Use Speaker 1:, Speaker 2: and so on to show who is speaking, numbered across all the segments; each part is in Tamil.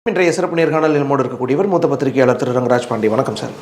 Speaker 1: இன்றைய சிறப்பு நேர்காணல் நம்மோடு இருக்கக்கூடியவர் மூத்த பத்திரிகையாளர் திரு ரங்கராஜ் பாண்டி. வணக்கம் சார்.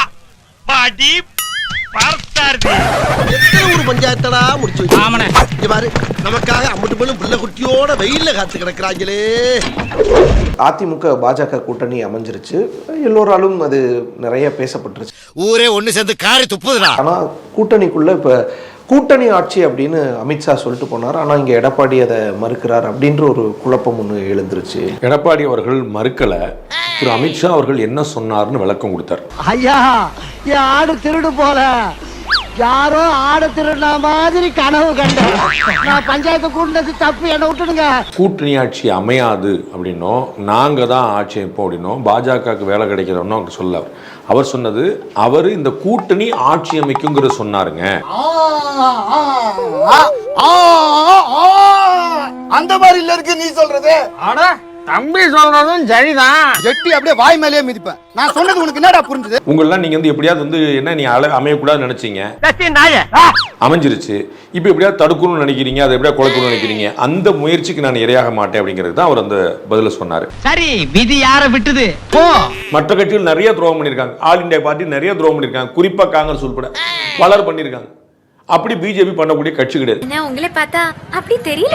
Speaker 2: பஞ்சாயத்தடா முடிச்சு நமக்காக அம்பட்டு போலும் புள்ள குட்டியோட வெயில்ல காத்து கிடக்குறாங்களே.
Speaker 1: அதிமுக பாஜக கூட்டணி அமைஞ்சிருச்சு, எல்லோராலும் அது நிறைய பேசப்பட்டுருச்சு.
Speaker 2: ஊரே ஒண்ணு சேர்ந்து காரி துப்புதுடா.
Speaker 1: ஆனா கூட்டணிக்குள்ள இப்ப கூட்டணி ஆட்சி அப்படின்னு அமித்ஷா சொல்லிட்டு போனார். ஆனா இங்க எடப்பாடி அதை மறுக்கிறார் அப்படின்ற ஒரு குழப்பம் ஒண்ணு எழுந்துருச்சு.
Speaker 3: எடப்பாடி அவர்கள் மறுக்கல, திரு அமித்ஷா அவர்கள் என்ன சொன்னார்னு விளக்கம் கொடுத்தார்.
Speaker 4: ஐயா, என் ஆடு திருடு போல யாரோ ஆடு திருடின மாதிரி கனவு கண்டேன். நான் பஞ்சாயத்து கூட்டினது தப்பு, என்ன விட்டுடுங்க.
Speaker 3: கூட்டணி ஆட்சி அமையாது அப்படின்னும் நாங்க தான் ஆட்சி அமைப்போம் அப்படின்னும் பாஜகவுக்கு வேலை கிடைக்கிறோம்னு அவர் சொல்ல, அவர் சொன்னது அவர் இந்த கூட்டணி ஆட்சி அமைக்குங்கிற சொன்னாருங்க.
Speaker 2: அந்த மாதிரி இல்ல இருக்கு நீ சொல்றது.
Speaker 4: தம்பி சொல்றதும் சரிதான்.
Speaker 2: எட்டி அப்படியே வாய் மேலேயே மிதிப்பேன். நான் சொன்னது உனக்கு என்னடா புரிஞ்சுது?
Speaker 3: உங்களெல்லாம் நீங்க வந்து எப்படியாவது என்ன நீ அமையக்கூடாதுன்னு நினைச்சீங்க, அமைஞ்சிருச்சு. இப்போ எப்படியாவது தடுக்கணும்னு நினைக்கிறீங்க, அதை எப்படியா குலைக்கணும்னு நினைக்கிறீங்க. அந்த முயற்சிக்கு நான் இரையாக மாட்டேன் அப்படிங்கிறது தான் அவர் அந்த பதில சொன்னாரு.
Speaker 4: சரி, விதி யார விட்டுது?
Speaker 3: மற்ற கட்சிகள் நிறைய துரோகம் பண்ணிருக்காங்க, ஆல் இந்தியா பார்ட்டி நிறைய துரோகம் பண்ணிருக்காங்க, குறிப்பா காங்கிரஸ் உட்பட பலர் பண்ணிருக்காங்க. அப்படி பிஜேபி பண்ணக்கூடிய கட்சி கிடையாது.
Speaker 5: உங்களை பார்த்தா அப்படி தெரியல.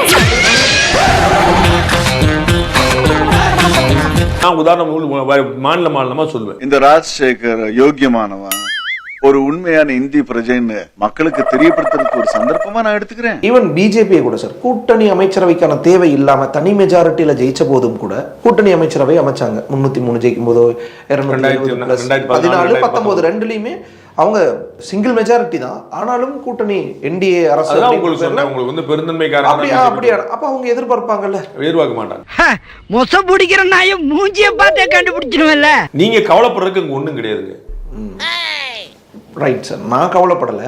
Speaker 3: நான் உதாரணம் மாநிலமா சொல்லுவேன்.
Speaker 6: இந்த ராஜசேகர் யோக்கியமானவன், ஒரு உண்மையான இந்தி பிரஜைன்னு மக்களுக்கு தெரியப்படுத்துறதுக்கு ஒரு சந்தர்ப்பமா நான் எடுத்துக்கிறேன்.
Speaker 1: ஈவன் பிஜேபியை கூட சார் கூட்டணி அமைச்சரவைக்கான தேவை இல்லாம தனி மெஜாரிட்டியில ஜெயிச்ச போதும் கூட கூட்டணி அமைச்சரவை அமைச்சாங்க. 303 ஜெயிக்கும் போதோ 2014, 19 ரெண்டுலயுமே அவங்க சிங்கிள் மெஜாரிட்டி தான். ஆனாலும் கூட்டணி என்டிஏ அரசு
Speaker 3: உங்களுக்கு வந்து பெருந்தன்மைக்காரங்க
Speaker 1: அப்ப அவங்க எதிர்பார்ப்பாங்கல்ல,
Speaker 3: எதிர்பார்க்க மாட்டாங்க.
Speaker 4: மொச பிடிக்கிற நாய மூஞ்சிய பார்த்தே கண்டுபிடிச்சிருவேன்ல.
Speaker 3: நீங்க கவலைப்படுறதுக்கு இங்க ஒண்ணும் கிடையாதுங்க.
Speaker 1: ரைட் சார், நான் கவலைப்படல.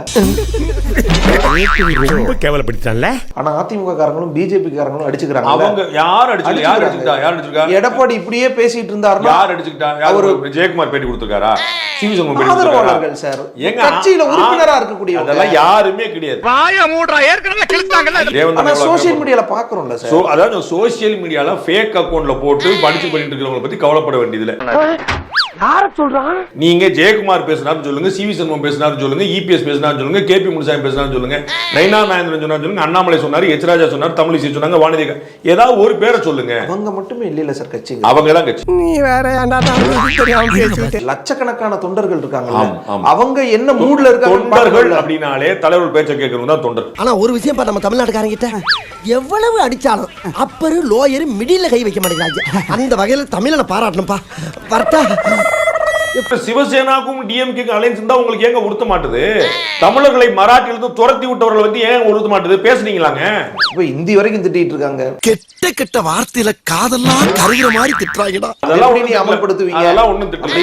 Speaker 1: ஆனா அதிமுக காரங்களும் பிஜேபி காரங்களும் அடிச்சுக்கிறாங்க.
Speaker 3: அவங்க யார் அடிச்சுக்கிட்டா?
Speaker 1: எடப்பாடி இப்படியே பேசிட்டு இருந்தாருன்னா
Speaker 3: யார் அடிச்சுக்கிட்டா? அவரு ஜெயக்குமார் பேட்டி கொடுத்திருக்காரா?
Speaker 1: ஆதரவாளர்கள் சார், எங்க கட்சியில உறுப்பினரா இருக்கக்கூடிய
Speaker 3: அதெல்லாம் யாருமே கிடையாது.
Speaker 4: வாய மூடுறா, ஏற்கனவே கிழிச்சாங்கல.
Speaker 1: ஆனா சோஷியல் மீடியால பாக்குறோம்ல சார்.
Speaker 3: அதாவது சோஷியல் மீடியால ஃபேக் அக்கவுண்ட்ல போட்டு படிச்சு பண்ணிட்டு இருக்கிறவங்கள பத்தி கவலைப்பட வேண்டியதுல.
Speaker 4: யார சொல்றான்?
Speaker 3: நீங்க ஜெயக்குமார் பேசினாரு சொல்லுங்க, சிவி சண்முகம் பேசினாரு சொல்லுங்க, இபிஎஸ் பேசினாரு சொல்லுங்க, கேபி முனுசாமி பேசினாரு சொல்லுங்க, நைனா நாயந்திரன் சொன்னாரு சொல்லுங்க, அண்ணாமலை சொன்னாரு, எச் ராஜா சொன்னாரு, தமிழிசை சொன்னாங்க, வானதி, ஏதாவது ஒரு பேரை சொல்லுங்க.
Speaker 1: அவங்க மட்டுமே இல்ல சார் கட்சி,
Speaker 3: அவங்க தான் கட்சி.
Speaker 4: நீ வேற
Speaker 1: லட்சக்கணக்கான தொண்டர்கள் இருக்காங்க. அவங்க என்ன மூட்ல இருக்காங்க?
Speaker 3: தொண்டர்கள் அப்படினாலே தலைவர் பேச்சை கேட்கறவங்க தான் தொண்டர்.
Speaker 2: ஆனா ஒரு விஷயம் நம்ம தமிழ்நாட்டுக்காரங்க கிட்ட எவ்வளவு அடிச்சாலும் அப்பரு லோயர் மிடில கை வைக்க மாட்டேங்கிறாங்க. அந்த வகையில தமிழனை பாராட்டணும்பா. வரட்டா?
Speaker 3: சிவசேனாக்கும் டிஎம்கேக்கும் அலைன்ஸ் இருந்தா உங்களுக்கு ஏங்க உறுத்த மாட்டுது? தமிழர்களை மராட்டியிலிருந்து துரத்தி விட்டவர்கள் வந்து ஏன் உறுத்த மாட்டுது? பேசுனீங்களாங்க,
Speaker 1: இப்ப இந்தி வரைக்கும் திட்டிட்டு இருக்காங்க.
Speaker 2: கெட்ட கெட்ட வார்த்தையில காதெல்லாம் கருகிற மாதிரி திட்டுறாங்கடா.
Speaker 1: அதெல்லாம் நீ அமல்படுத்துவீங்க?
Speaker 3: அதெல்லாம் ஒண்ணும் திட்டல.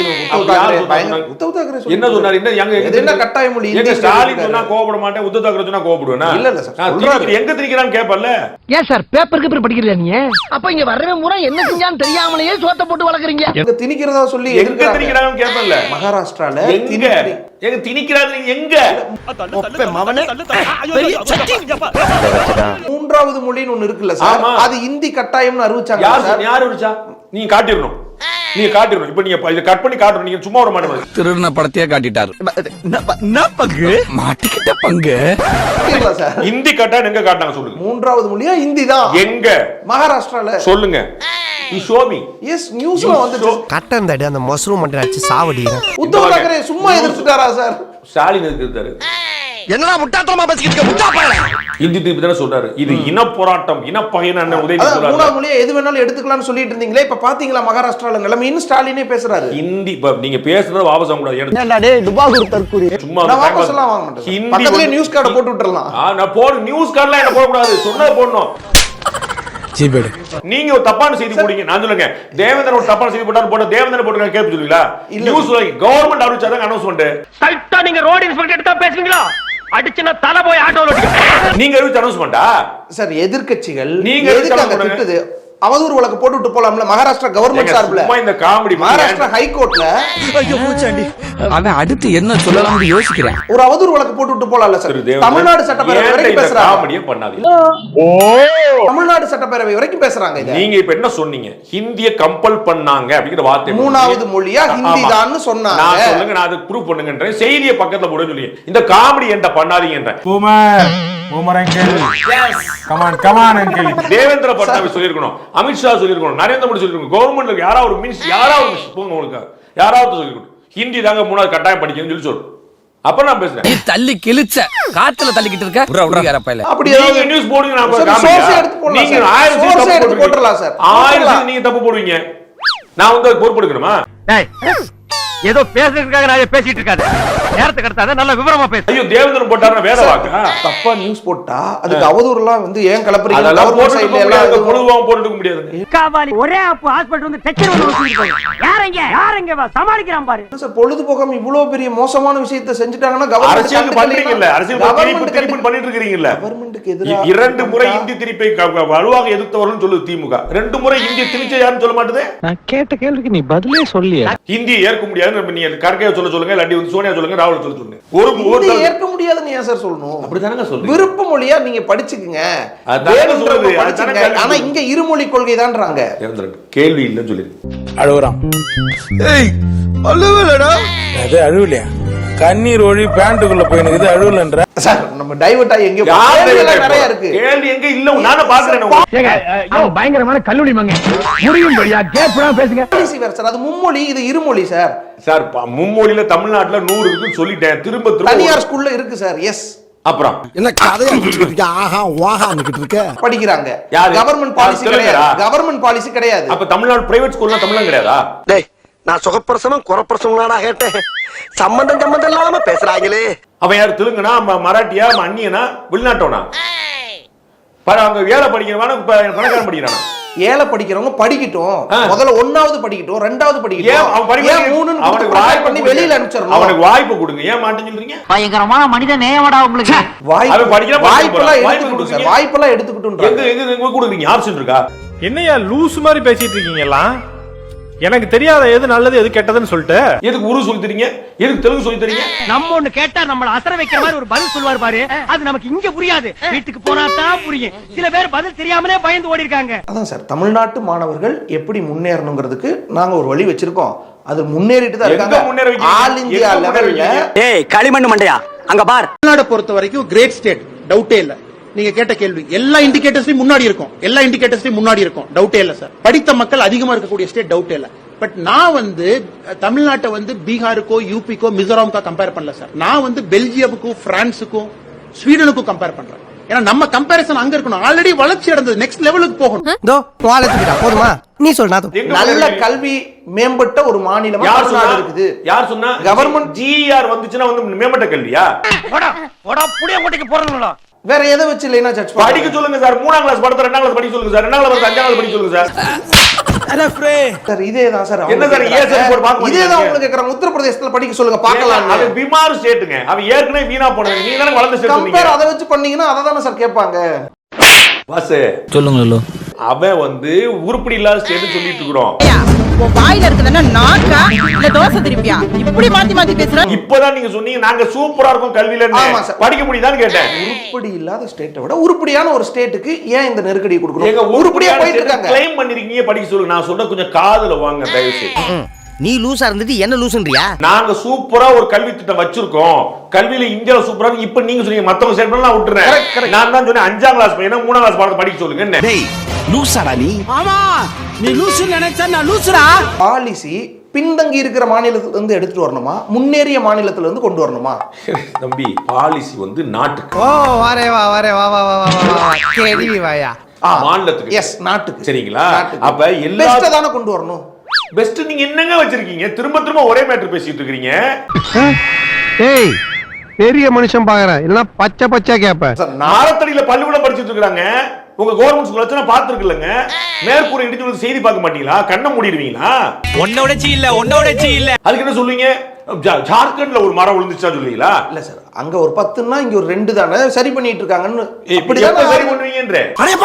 Speaker 3: என்ன சொன்னாரு?
Speaker 1: என்ன கட்டாய மொழி?
Speaker 3: ஸ்டாலின் சொன்னா கோபப்பட மாட்டேன், உத்தவ் தாக்கரே சொன்னா கோபப்படுவேனா?
Speaker 1: இல்ல இல்ல சார்,
Speaker 3: எங்க திணிக்கிறான்னு கேப்பல்ல.
Speaker 4: ஏன் சார் பேப்பருக்கு பேப்பர் படிக்கிறீங்க நீங்க? அப்ப இங்க வரவே முறை என்ன செஞ்சான்னு தெரியாமலேயே சோத்த போட்டு வளர்க்குறீங்க.
Speaker 1: எங்க திணிக்கிறதா சொல்லி
Speaker 3: எங்க திணிக்கிறாங்க கேப்பல்ல.
Speaker 1: மகாராஷ்டிரால
Speaker 3: எங்க எங்க திணிக்கிறாங்க? எங்க
Speaker 1: மூன்றாவது மொழின்னு ஒண்ணு இருக்குல்ல சார், அது இந்தி கட்டாயம்னு அறிவிச்சாங்க.
Speaker 3: யார் அறிவிச்சா? நீங்க காட்டிடணும், நீங்க காட்டிடணும். இப்ப நீங்க இத கட் பண்ணி காட்டணும். நீங்க சும்மா வர மாட்டீங்க.
Speaker 7: திருடின படத்தையே காட்டிட்டாரு. பங்கு மாட்டிக்கிட்ட பங்கு.
Speaker 3: இந்தி கட்டாயம் எங்க காட்டாங்க சொல்லுங்க.
Speaker 1: மூன்றாவது மொழியா இந்தி தான்.
Speaker 3: எங்க?
Speaker 1: மகாராஷ்டிரால.
Speaker 3: சொல்லுங்க.
Speaker 1: எஸ், நியூஸ்ல வந்து
Speaker 2: கட்டந்தடி அந்த மஷ்ரூம் மட்டும் அடிச்சு சாவடிங்க.
Speaker 1: உத்தவ் தாக்கரே சும்மா எதிர்த்துட்டாரா சார்?
Speaker 3: ஸ்டாலின் எதிர்த்தாரு.
Speaker 2: என்னடா முட்டாத்தனமா பேசிக்கிட்டு இருக்க? முட்டா பயல.
Speaker 3: இந்தி திருப்பி தான சொல்றாரு. இது இன போராட்டம், இனப்பகைன்னு அண்ணன் உதயநிதி சொல்றாரு.
Speaker 1: மூணாவது மொழியை எது வேணாலும் எடுத்துக்கலாம்னு சொல்லிட்டு இருந்தீங்களே, இப்ப பாத்தீங்களா மகாராஷ்டிரால நிலைமைன்னு ஸ்டாலினே பேசுறாரு.
Speaker 3: ஹிந்தி நீங்க பேசுறத வாபஸ் வாங்க கூடாது.
Speaker 4: என்னடா டேய் டுபாகூர் தற்கூரி.
Speaker 3: சும்மா
Speaker 1: நான் வாபஸ் எல்லாம் வாங்க மாட்டேன். பக்கத்துலயே நியூஸ் கார்ட போட்டு விட்டுறலாம்.
Speaker 3: நான் போடு நியூஸ் கார்டலாம் என்ன போட கூடாது. சொன்னத போடணும். நீங்க ஒரு தப்பான செய்தி போடுங்க. நான் சொல்லுங்க, தேவேந்திரன் ஒரு தப்பான செய்தி போட்டாரு, போட்ட தேவேந்திரன் போட்டுங்க கேட்பு சொல்லுவீங்களா? நியூஸ் கவர்மெண்ட் அறிவிச்சாதான் அனௌன்ஸ்மென்ட்.
Speaker 4: கரெக்ட்டா நீங்க ரோட் இன்ஸ்பெக்டர் எடுத்தா பேசுவீங்களா? அடிச்சனா தல போய் ஆட்டோல ஓடிங்க.
Speaker 3: நீங்க அறிவிச்ச அனௌன்ஸ்மென்ட்டா?
Speaker 1: சார் எதிர்க்கட்சிகள்
Speaker 3: நீங்க
Speaker 1: எதுக்காக திட்டுது? அவதூறு வழக்கு போட்டு விட்டு போலாம்ல மகாராஷ்டிரா கவர்மெண்ட் சார்பில்.
Speaker 3: இந்த காமெடி
Speaker 1: மகாராஷ்டிரா ஹைகோர்ட்ல
Speaker 7: அவன் அடுத்து என்ன சொல்லலாம்னு யோசிக்கிறேன்.
Speaker 1: ஒரு அவதூறு வழக்கு போட்டு விட்டு போலாம்ல சார். தமிழ்நாடு சட்டப்பேரவை வரைக்கும் பேசுறாங்க.
Speaker 3: காமெடியே பண்ணாதீங்க.
Speaker 1: தமிழ்நாடு தமிழ்நாடு சட்டப்பேரவை வரைக்கும் பேசுறாங்க இத.
Speaker 3: நீங்க இப்ப என்ன சொன்னீங்க? ஹிந்தியை கம்பல் பண்ணாங்க அப்படிங்கிற வார்த்தை
Speaker 1: மூணாவது மொழியா ஹிந்தி தான் சொன்னாங்க.
Speaker 3: நான் சொல்லுங்க, நான் அதுக்கு ப்ரூவ் பண்ணுங்கன்றேன். செய்தியை பக்கத்துல போட சொல்லி இந்த காமெடி என்கிட்ட பண்ணாதீங்கன்றேன். தேவேந்திர பட்னாவிஸ் சொல்லிருக்கணும், அமித்ஷா சொல்லிருக்கணும், நரேந்திர மோடி சொல்லிருக்கணும், கவர்மெண்ட்ல யாராவது போங்க உங்களுக்கு யாராவது சொல்லிருக்கணும் ஹிந்தி தாங்க மூணாவது கட்டாயம் படிக்கணும்னு சொல்லு. அப்ப நான் பேசுறேன்.
Speaker 7: நீ தள்ளி கிழிச்ச காத்துல தள்ளிக்கிட்டு இருக்க.
Speaker 1: அப்படி
Speaker 3: நீங்க நியூஸ் போடுங்க, நான்
Speaker 1: சோர்ஸ் எடுத்து போடலாம்.
Speaker 3: நீங்க
Speaker 1: சார்
Speaker 3: 1000
Speaker 1: சோர்ஸ் எடுத்து போட்டுறலாம் சார்.
Speaker 3: 1000 நீங்க தப்பு போடுவீங்க, நான் வந்து அது பொறுப்பு எடுக்கணுமா?
Speaker 4: ஏதோ பேசுறதுக்காக நான் பேசிட்டு இருக்காது. நேரத்தை கடத்தாத, நல்ல விவரமா பேசு.
Speaker 3: ஐயோ தேவேந்திரன் போட்டாருன்னா வேற வாக்கா?
Speaker 1: தப்பா நியூஸ் போட்டா அதுக்கு அவதூறுலாம் வந்து ஏன் கலப்பறீங்க?
Speaker 3: அதெல்லாம்
Speaker 1: கவர்மெண்ட் சைடுல எல்லாம்
Speaker 3: பொழுதுவாங்க போட்டுக்க முடியாது.
Speaker 4: காவாலி ஒரே ஆப்பு ஹாஸ்பிடல் வந்து டச்சர் வந்து வச்சிட்டு போய் யாரங்க வா சமாளிக்கிறான் பாரு.
Speaker 1: சார் பொழுது போகாம இவ்வளவு பெரிய மோசமான விஷயத்தை செஞ்சுட்டாங்கன்னா
Speaker 3: அரசியல் பண்றீங்கல்ல, அரசியல் திருப்பி பண்ணிட்டு இருக்கீங்கல்ல.
Speaker 1: கவர்மெண்ட்டுக்கு எதிராக
Speaker 3: 2 முறை இந்தி திருப்பை வலுவாக எதிர்த்தவர்கள் சொல்லுது திமுக. 2 முறை இந்தி திணிச்ச யாருன்னு சொல்ல மாட்டேது.
Speaker 8: நான் கேட்ட கேள்விக்கு நீ பதிலே சொல்லியா?
Speaker 3: ஹிந்தி ஏற்க முடியாது நீங்க கர்கையை சொல்லுங்க, இல்லாட்டி வந்து சோனியா சொல்லுங்க, ராகுல் சொல்லுங்க.
Speaker 1: ஒரு ஏற்க முடியாதுன்னு ஏன் சார் சொல்லணும்?
Speaker 3: அப்படிதானங்க சொல்றீங்க.
Speaker 1: விருப்ப மொழியா நீங்க படிச்சுக்குங்க.
Speaker 3: அதானங்க சொல்றது. அதானங்க.
Speaker 1: ஆனா இங்க இருமொழி கொள்கை தான்றாங்க.
Speaker 3: கேள்வி இல்லன்னு சொல்லி
Speaker 9: அழுகுறான். ஏய் அழுவலடா. அது அழுவலையா? கண்ணீர் ஒழி பேண்ட்டுக்குள்ள போயினுக்குது, அழுவலன்ற.
Speaker 1: சார் நம்ம டைவர்ட் ஆகி எங்க நிறைய இருக்கு.
Speaker 3: கேள்வி எங்க இல்ல, நானே பாக்குறேன்.
Speaker 4: பயங்கரமான கல்லூரி மங்க முடியும்படியா கேப்டா பேசுங்க.
Speaker 1: பாலிசி வேற சார், அது மும்மொழி, இது இருமொழி சார்.
Speaker 3: சார் மும்மொழியில தமிழ்நாட்டுல 100 இருக்குன்னு சொல்லிட்டேன். திரும்ப
Speaker 1: தனியார் ஸ்கூல்ல இருக்கு சார். எஸ்.
Speaker 3: அப்புறம்
Speaker 2: என்ன கதையா சொல்லிட்டு ஆஹா வாஹான்னுகிட்டு இருக்க?
Speaker 1: படிக்கிறாங்க.
Speaker 3: யாரு?
Speaker 1: கவர்மெண்ட் பாலிசி கிடையாது. கவர்மெண்ட் பாலிசி கிடையாது.
Speaker 3: அப்ப தமிழ்நாடு பிரைவேட் ஸ்கூல்ல தமிழ்லாம் கிடையாதா?
Speaker 2: டேய் நான் சுகப்பிரசவம் குறப்பிரசவம்னா கேட்டேன். சம்பந்தம் இல்லாம பேசுறாங்களே.
Speaker 3: அவன் யார்? தெலுங்குனா, மராட்டியா, அந்நியனா, வெளிநாட்டோனா? அங்க ஏழை படிக்கிறவன பணக்காரன் படிக்கிறானா?
Speaker 1: ஏழை படிக்கிறவங்க படிக்கட்டும். முதல்ல 1வது படிக்கட்டும், 2வது படிக்கட்டும்.
Speaker 3: அவன் படிக்க
Speaker 1: 3
Speaker 3: அவனுக்கு வாய்ப்பு
Speaker 1: பண்ணி வெளியில அனுப்பிச்சிரணும்.
Speaker 3: அவனுக்கு வாய்ப்பு கொடுங்க. ஏன் மாட்டேன்னு சொல்றீங்க?
Speaker 4: பயங்கரமான மனித நேயமடா உங்களுக்கு.
Speaker 1: வாய்ப்பெல்லாம் எடுத்துக்கிட்டு சார். வாய்ப்பெல்லாம் எடுத்துக்கிட்டு
Speaker 3: எங்க கொடுக்குறீங்க? ஆப்ஷன் இருக்கா?
Speaker 8: என்னையா லூஸ் மாதிரி பேசிட்டு இருக்கீங்களா? எனக்கு தெரியாத எது நல்லது எது கெட்டதுன்னு சொல்லிட்டு
Speaker 3: எதுக்கு உரு சொல்லி தரீங்க? எதுக்கு தெலுங்கு சொல்லி தரீங்க?
Speaker 4: நம்ம ஒண்ணு கேட்டா நம்மள அசர வைக்கிற மாதிரி ஒரு பதில் சொல்வார் பாரு, அது நமக்கு இங்க புரியாது, வீட்டுக்கு போனா தான் புரியும். சில பேர் பதில் தெரியாமலே பயந்து ஓடி இருக்காங்க.
Speaker 1: அதான் சார், தமிழ்நாட்டு மாணவர்கள் எப்படி முன்னேறணுங்கிறதுக்கு நாங்க ஒரு வழி வச்சிருக்கோம். அது முன்னேறிட்டு தான் இருக்காங்க. ஆல் இந்தியா லெவல்ல.
Speaker 2: ஏய் களிமண் மண்டையா, அங்க பார்.
Speaker 10: தமிழ்நாடு பொறுத்த வரைக்கும் கிரேட் ஸ்டேட், டவுட்டே இல்ல. நீங்க கேட்ட கேள்வி எல்லா இண்டிகேட்டர்ஸ்லயும் முன்னாடி இருக்கும், டவுட்டே இல்ல சார். படித்த மக்கள் அதிகமா இருக்கக்கூடிய ஸ்டேட், டவுட்டே இல்ல. பட் நான் வந்து தமிழ்நாட்டை வந்து பீகாருக்கோ, யூபிக்கோ, மிசோரம்கோ கம்பேர் பண்ணல சார். நான் வந்து பெல்ஜியமுக்கும், பிரான்ஸுக்கும், ஸ்வீடனுக்கும் கம்பேர் பண்றேன். ஏன்னா நம்ம கம்பேரிசன் அங்க இருக்கணும். ஆல்ரெடி வளர்ச்சி அடைந்தது, நெக்ஸ்ட் லெவலுக்கு போகணும்.
Speaker 2: போதுமா? நீ சொல்றா.
Speaker 1: நல்ல கல்வி மேம்பட்ட ஒரு மாநிலம் இருக்குது.
Speaker 3: யார் சொன்னா?
Speaker 1: கவர்மெண்ட்
Speaker 3: ஜிஆர் வந்துச்சுன்னா வந்து மேம்பட்ட கல்வியா?
Speaker 4: புடிய மூட்டைக்கு போறணும்ல.
Speaker 1: வேற எதை வச்சு இல்லைன்னா ஜட்ஜ்
Speaker 3: படிக்க சொல்லுங்க சார். 3ஆம் கிளாஸ் படத்தை 2ஆம் கிளாஸ் படிக்க சொல்லுங்க சார். 2ஆம் கிளாஸ் 5ஆம் கிளாஸ் படிக்க சொல்லுங்க சார்.
Speaker 1: சார் இதேதான் சார்.
Speaker 3: என்ன சார்
Speaker 1: இதேதான் உங்களுக்கு கேக்குறாங்க. உத்தரப்பிரதேசத்துல படிக்க சொல்லுங்க பார்க்கலாம்.
Speaker 3: அது பிமார் ஸ்டேட்டுங்க. அவன் ஏற்கனவே வீணா போனது. நீங்க தானே வளர்ந்த ஸ்டேட்.
Speaker 1: கம்பேர் அதை வச்சு பண்ணீங்கன்னா அதை தானே சார் கேட்பாங்க.
Speaker 3: பாஸ்
Speaker 7: சொல்லுங்க.
Speaker 3: அவன் வந்து உருப்படி இல்லாத ஸ்டேட் சொல்லிட்டு இருக்கிறோம்.
Speaker 11: வாயில இருக்குதுன்னா நாக்கா இல்ல தோசை திருப்பியா? இப்படி மாத்தி பேசுற.
Speaker 3: இப்பதான் நீங்க சொன்னீங்க நாங்க சூப்பரா இருக்கும் கல்வியில. படிக்க முடியுதான்னு கேட்டேன்.
Speaker 1: உருப்படி இல்லாத ஸ்டேட்டை விட உருப்படியான ஒரு ஸ்டேட்டுக்கு ஏன் இந்த நெருக்கடி கொடுக்கணும்? உருப்படியா போயிட்டு இருக்காங்க.
Speaker 3: கிளைம் பண்ணிருக்கீங்க, படிக்க சொல்லுங்க. நான் சொன்ன கொஞ்சம் காதுல வாங்க தயவு செய்து.
Speaker 2: நீ லூசா இருந்துட்டு என்ன லூசுன்றியா?
Speaker 3: நாங்க சூப்பரா ஒரு கல்வி திட்டம் வச்சிருக்கோம். கல்வியில இந்தியால சூப்பரா. இப்ப நீங்க சொன்னீங்க மத்தவங்க ஸ்டேட் நான் விட்டுறேன். நான் தான் சொன்னேன் 5ஆம் கிளாஸ் பையனா 3ஆம் கிளாஸ் பாடத்தை படிக்க சொல்லுங்க.
Speaker 2: டேய் லூசாடா நீ. ஆமா நீ லூசு நினைச்சா நான் லூசுடா.
Speaker 1: பாலிசி பின்தங்கி இருக்கிற மாநிலத்துல இருந்து எடுத்துட்டு வரணுமா, முன்னேறிய மாநிலத்துல இருந்து கொண்டு வரணுமா?
Speaker 3: தம்பி பாலிசி வந்து நாட்டுக்கு.
Speaker 2: ஓ வரே வா கேள்வி வாயா.
Speaker 3: மாநிலத்துக்கு.
Speaker 1: எஸ் நாட்டுக்கு.
Speaker 3: சரிங்களா? அப்ப எல்லா
Speaker 1: பெஸ்ட் தான கொண்டு வரணும்.
Speaker 3: பெஸ்ட் நீங்க என்னங்க வச்சிருக்கீங்க? திரும்ப ஒரே மேட்டர் பேசிட்டு இருக்கீங்க.
Speaker 8: ஏய் பெரிய மனுஷன் பாக்குறேன் இல்ல பச்சை கேப்ப.
Speaker 3: நாரத்தடியில பள்ளிக்கூடம் படிச்சிட்டு இருக்காங்க. உங்க கவர்மெண்ட் ஸ்கூல் வச்சு பாத்துருக்கலங்க. மேற்கூரை இடிச்சு செய்தி பார்க்க மாட்டீங்களா? கண்ணை மூடிடுவீங்களா?
Speaker 7: ஒன்னோடச்சி இல்ல.
Speaker 3: அதுக்கு என்ன சொல்லுவீங்க? ஜார்க்கண்ட்ல ஒரு மரம் விழுந்துச்சா சொல்லுவீங்களா?
Speaker 1: இல்ல சார், அங்க ஒரு 10ன்னா இங்க ஒரு 2 தானே சரி பண்ணிட்டு இருக்காங்கன்னு.
Speaker 3: இப்படிதான் சரி பண்ணுவீங்கன்ற.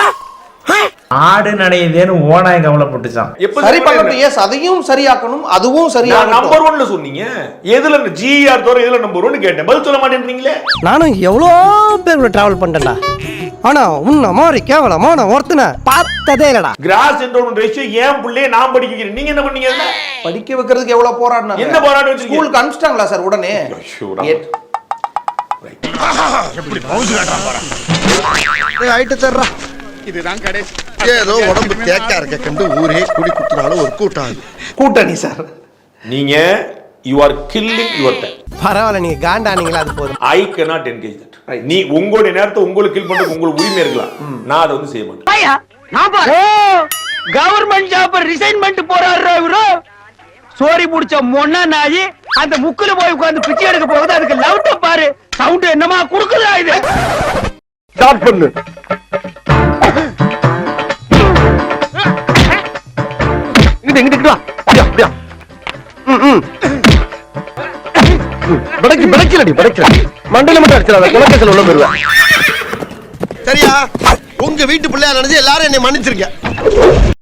Speaker 8: ஆடு நடையுதேன்னு ஓனாய் கவலைப்பட்டுச்சான்.
Speaker 3: சரி
Speaker 1: பண்ணட்டும். எஸ் அதையும் சரியாக்கணும், அதுவும் சரியாக்கணும்.
Speaker 3: நம்பர் 1ல சொன்னீங்க. எதுல ஜிஆர் தவிர எதுல நம்பர் 1 கேட்டேன். பதில் சொல்ல மாட்டேன்றீங்களே.
Speaker 2: நானும் எவ்வளவு பேர் டிராவல் பண்ணிட்டேன்டா. ஆனா உன்ன மாதிரி கேவலமான ஒருத்தனை பார்த்ததே இல்லடா.
Speaker 3: கிராஸ் என்ரோல்மெண்ட் ரேஷியோ ஏன் பிள்ளைய நான் படிக்க வைக்கிறேன், நீங்க என்ன பண்ணீங்க?
Speaker 1: படிக்க வைக்கிறதுக்கு எவ்வளவு போராடினாங்க?
Speaker 3: என்ன போராட்டம் வச்சிருக்கீங்க?
Speaker 1: ஸ்கூலுக்கு அனுப்பிச்சிட்டாங்களா சார் உடனே?
Speaker 2: ஆயிட்டு தர்றா.
Speaker 10: இதுதான் கடைசி.
Speaker 2: ஏதோ உடம்பு தேக்கா இருக்க கண்டு ஊரே குடி குத்துனாலும் ஒரு கூட்டம்.
Speaker 1: கூட்டணி சார்.
Speaker 3: நீங்க you are killing your time.
Speaker 2: பரவாயில்ல, நீங்க காண்டானீங்களா அது போதும்.
Speaker 3: I cannot engage that. நீ உங்களுடைய நேரத்தை உங்களுக்கு கில் பண்றது உங்களுக்கு உரிமை இருக்கலாம், நான் அதை வந்து செய்ய மாட்டேன்.
Speaker 4: கவர்மெண்ட் ஜாப் ரிசைன் பண்ணிட்டு போறாரு இவரு. சோரி முடிச்ச மொன்ன நாயி அந்த முக்குல போய் உட்கார்ந்து பிச்சை எடுக்க போகுது. அதுக்கு லவுட்ட பாரு, சவுண்ட் என்னமா குடுக்குதா இது? ஸ்டார்ட் பண்ணு. இங்கிட்டு வா. அப்படியா படைக்கலடி மண்டல மட்டும் அடிச்சிடாத, குலக்கேசல் உள்ள போயிருவேன். சரியா? உங்க வீட்டு பிள்ளையா நினைச்சு எல்லாரும் என்னை மன்னிச்சிருக்க.